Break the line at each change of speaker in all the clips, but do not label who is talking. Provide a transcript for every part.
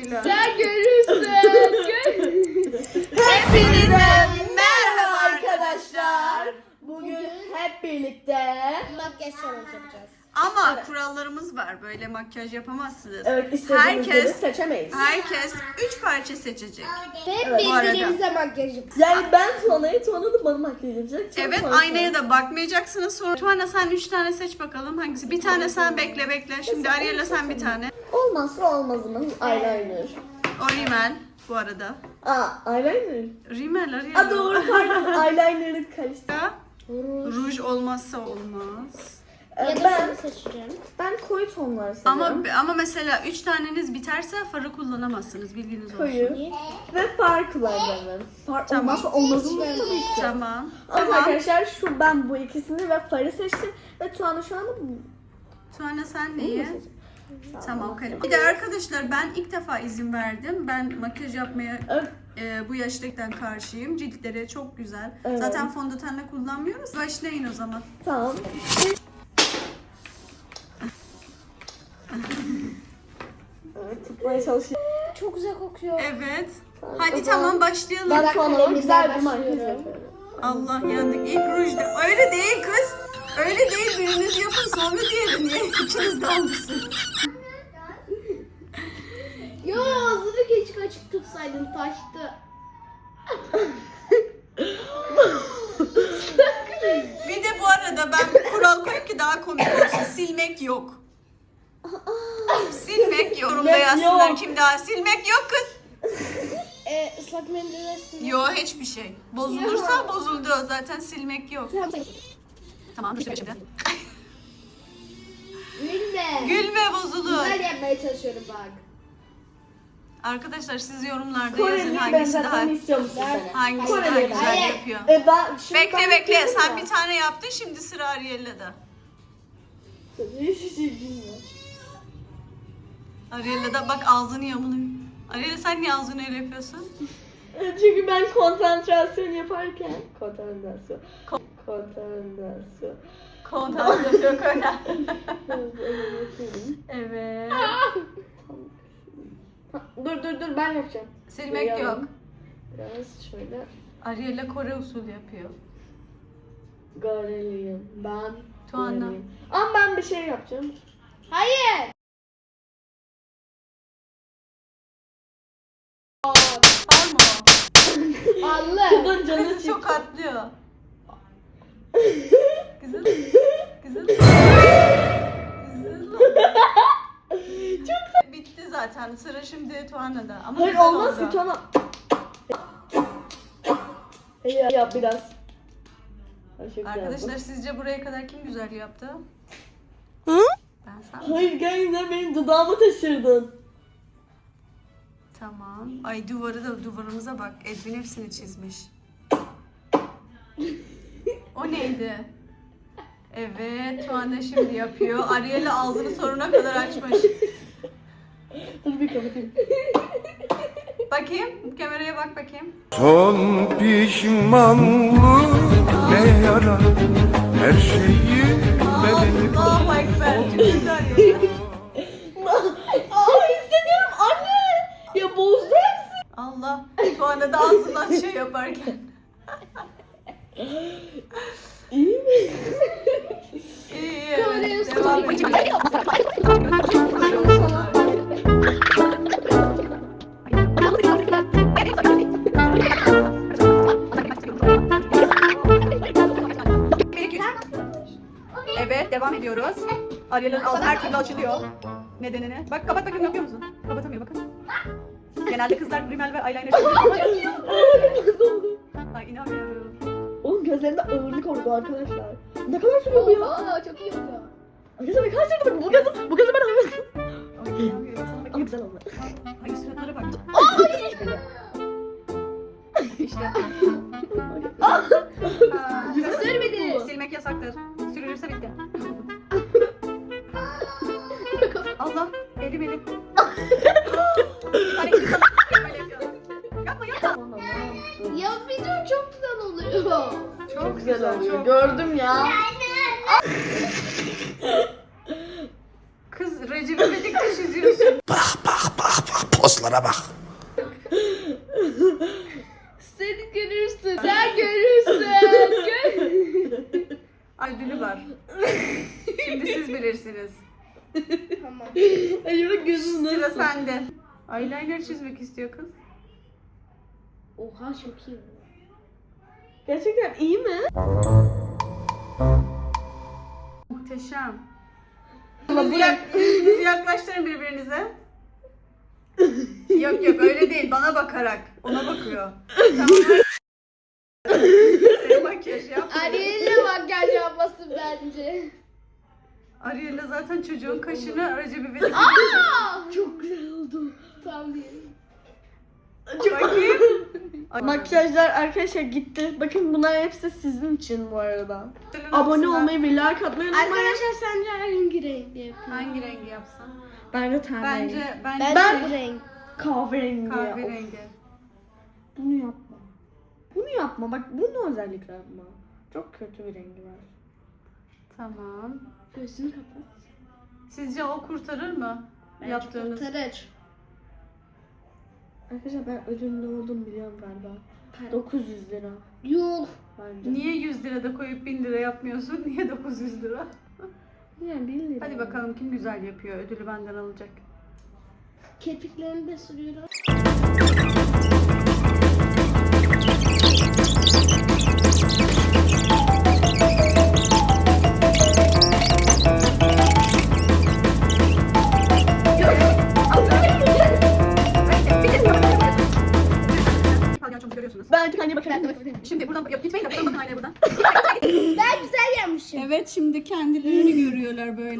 rujuyla.
Sen görürsün.
Hepinize merhaba arkadaşlar.
Bugün hep birlikte
Makyaj challenge yapacağız.
Ama kurallarımız var. Böyle makyaj yapamazsınız.
evet istediğimiz gibi seçemeyiz.
Herkes 3 parça seçecek.
Ve
Evet.
birbirimize makyaj yapacağız.
Yani ben Tuana'ya da bana makyaj yapacak. Çok
Evet,
korkuyorum.
aynaya da bakmayacaksınız. Sonra Tuana sen 3 tane seç bakalım hangisi. Bir tane sen bekle. Şimdi Ariel'le sen bir tane.
Olmazsa olmazımız eyeliner.
O rimel bu arada.
Eyeliner.
Rimel Ariel.
Doğru pardon eyeliner'ı karıştırdım.
Ruj olmazsa olmaz.
Ya da
Ben
seni seçeceğim.
koyu tonlar seviyorum.
Ama mesela 3 taneniz biterse farı kullanamazsınız. Bilginiz olsun.
Koyu ve far kullanacağım. Far
Tamam.
olmazsa olmazımız tabii ki.
Tamam.
Evet arkadaşlar ben bu ikisini ve farı seçtim. Ve Tuana şu anda
Tuana sen neyi? Tamam kalem. Bir de arkadaşlar ben ilk defa izin verdim. Ben makyaj yapmaya
Evet.
bu yaşlıktan karşıyım. Ciltleri çok güzel.
Evet.
Zaten fondötenle kullanmıyoruz. Başlayın o zaman.
Tamam. Evet, tutmaya çalışıyorum.
Çok güzel kokuyor.
Evet.
Tamam,
Hadi
o zaman
tamam başlayalım.
Ben
Bak,
Tuana'ya
kalemimden
güzel bir makyaj
başlıyorum.
yapıyorum.
Allah yandık. İlk rujda. Öyle değil kız. Öyle değil. Biriniz yapın sonra diğeri. Niye ikiniz de almışsınız?
Yo ağzını keşke açık tutsaydın taştı.
Bir de bu arada ben kural koyayım ki daha komik olsun. Silmek yok. Silmek yok. Yorumda yazsınlar
yok.
kim daha. Silmek yok kız.
Islak mendille sil.
Yok hiçbir şey. Bozulursa bozuldu. Zaten silmek yok. Tamam dur şimdi.
Gülme.
Gülme bozulur.
Güzel yapmaya çalışıyorum bak.
Arkadaşlar siz yorumlarda yazın
Koreli'yi
hangisi daha
benzetmemi istiyor musun sen?
hangisi daha
Koreli'yi
güzel
Hayır.
yapıyor.
Ben şimdi
Bekle
ben
bekle
yapıyorum
sen
ya.
bir tane yaptın şimdi sıra Ariel'le de.
Hiçbir şey bilmiyorum.
Ariel'le de bak ağzını yamuluyor. Ariel sen niye ağzını öyle yapıyorsun?
Çünkü ben konsantrasyon yaparken konsantrasyon.
Konsantrasyon çok önemli. Evet.
Dur ben yapacağım.
Silmek
Biraz-
yok.
Biraz şöyle.
Ariel'le Kore usulü yapıyor.
Gareliyim. Ben
Tuana.
Gareliyim. Ama ben bir şey yapacağım.
Hayır.
Var mı o?
Allah.
Kızın canı
Kızı
çıktı.
çok atlıyor. Kızım. Kızım. Çok bitti zaten. Sıra şimdi Tuana'da. Ama
Hayır
güzel
olmaz
oldu.
ki Tuana. Yap biraz. Ay, çok güzel
Arkadaşlar
oldu.
sizce buraya kadar kim güzel yaptı?
Hı?
Ben sen.
Hayır gel benim dudağımı taşırdın.
Tamam. Ay duvarımıza bak. Edwin hepsini çizmiş. O neydi? Evet, Tuana şimdi yapıyor. Ariel'e ağzını sonuna kadar açmış.
Dur bir kapatayım.
Bakayım, kameraya bak bakayım.
Son pişmanlık ne yarar her şeyi bedeni
Allahu Ekber. Çok güzel yapıyor.
İstemiyorum anne. Ya bozdu hepsi.
Allah. Tuana da ağzından şey yaparken.
İyi mi?
İyi,
Kameraya
evet. Devam
sorayım.
edelim. Evet, devam ediyoruz. Ariel'in ağzı her türlü açılıyor. Nedenini. Bak kapat bakayım yapıyor musun? Kapatamıyor bakın. Genelde kızlar rimel ve eyeliner çekiyor. Ay inanmıyorum.
Oğlum gözlerinde ağırlık oldu arkadaşlar. Ne kadar sürüyor bu ya?
Aa, çok iyi oluyor.
Arkadaşlar ne kadar sürdü bu gözü ben anlamadım.
Ay inanmıyorum. Sana
Ama
bakayım.
güzel oldu.
Ay suratlara bak. İşte.
Sürmedi.
Silmek yasaktır. Sürülürse bitti. Allah. Elim. Hani gibi böyle yapıyor. Yapma yapma.
Ya video çok güzel oluyor.
Çok
Güzel oluyor.
çok.
Gördüm ya.
Kız Recep İvedik'te çiziyorsun.
pozlara bana bak.
Sen görürsün. Sen görürsün.
Ödülü var. Şimdi siz bilirsiniz.
Tamam.
Acaba gözüm
Sıra
nasıl?
sende. Eyeliner çizmek istiyor kız.
Oha çok iyi.
Gerçekten iyi mi?
Muhteşem. Yüzünüzü yaklaştırın birbirinize. Yok yok öyle değil, bana bakarak. Ona bakıyor. Tamam. Sen makyaj yapma.
Ariel'le makyaj yapmasın bence.
Ariel'le zaten çocuğun kaşını aracı bir verin.
Çok güzel oldu.
Tam diyelim.
Bakayım.
Makyajlar arkadaşlar gitti. Bakın bunlar hepsi sizin için bu arada.
Senin
Abone
altına
olmayı ve like atmayı unutmayın.
Arkadaşlar sence hangi renk yapayım?
hangi rengi yapsam?
Ben de ten rengi.
Bence
Ben renk.
Kahverengi. Of,
kahverengi.
bunu yapma. Bunu yapma. Bak bunu özellikle yapma. Çok kötü bir rengi var.
Tamam.
Gözünü kapat.
Sizce o kurtarır mı?
Bence
Yaptığınız.
kurtarır.
Arkadaşlar ben ödülün ne olduğunu biliyorum galiba. 900 lira
Yok.
bence.
Niye 100 lira da koyup 1000 lira yapmıyorsun? Niye 900 lira?
Yani 1 lira.
Hadi bakalım kim güzel yapıyor. Ödülü benden alacak.
Kirpiklerini de sürüyorum.
Palyaçomuzu görüyorsunuz.
Ben artık anneye bakarım.
Şimdi buradan gitmeyin de buradan bakın aynaya buradan.
Ben güzel yapmışım.
Evet şimdi kendilerini görüyorlar böyle.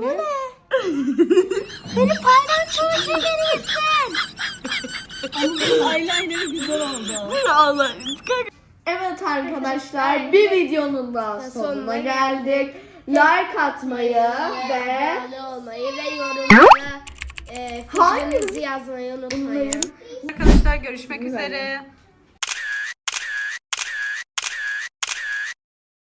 Beni paylaşımı çekebilirsin.
Eyeliner'ı güzel oldu.
Allah'ım. Evet arkadaşlar bir videonun daha sonuna geldik. Like atmayı ve
Abone olmayı ve yorumlara fikrinizi yazmayı unutmayın.
Arkadaşlar görüşmek üzere.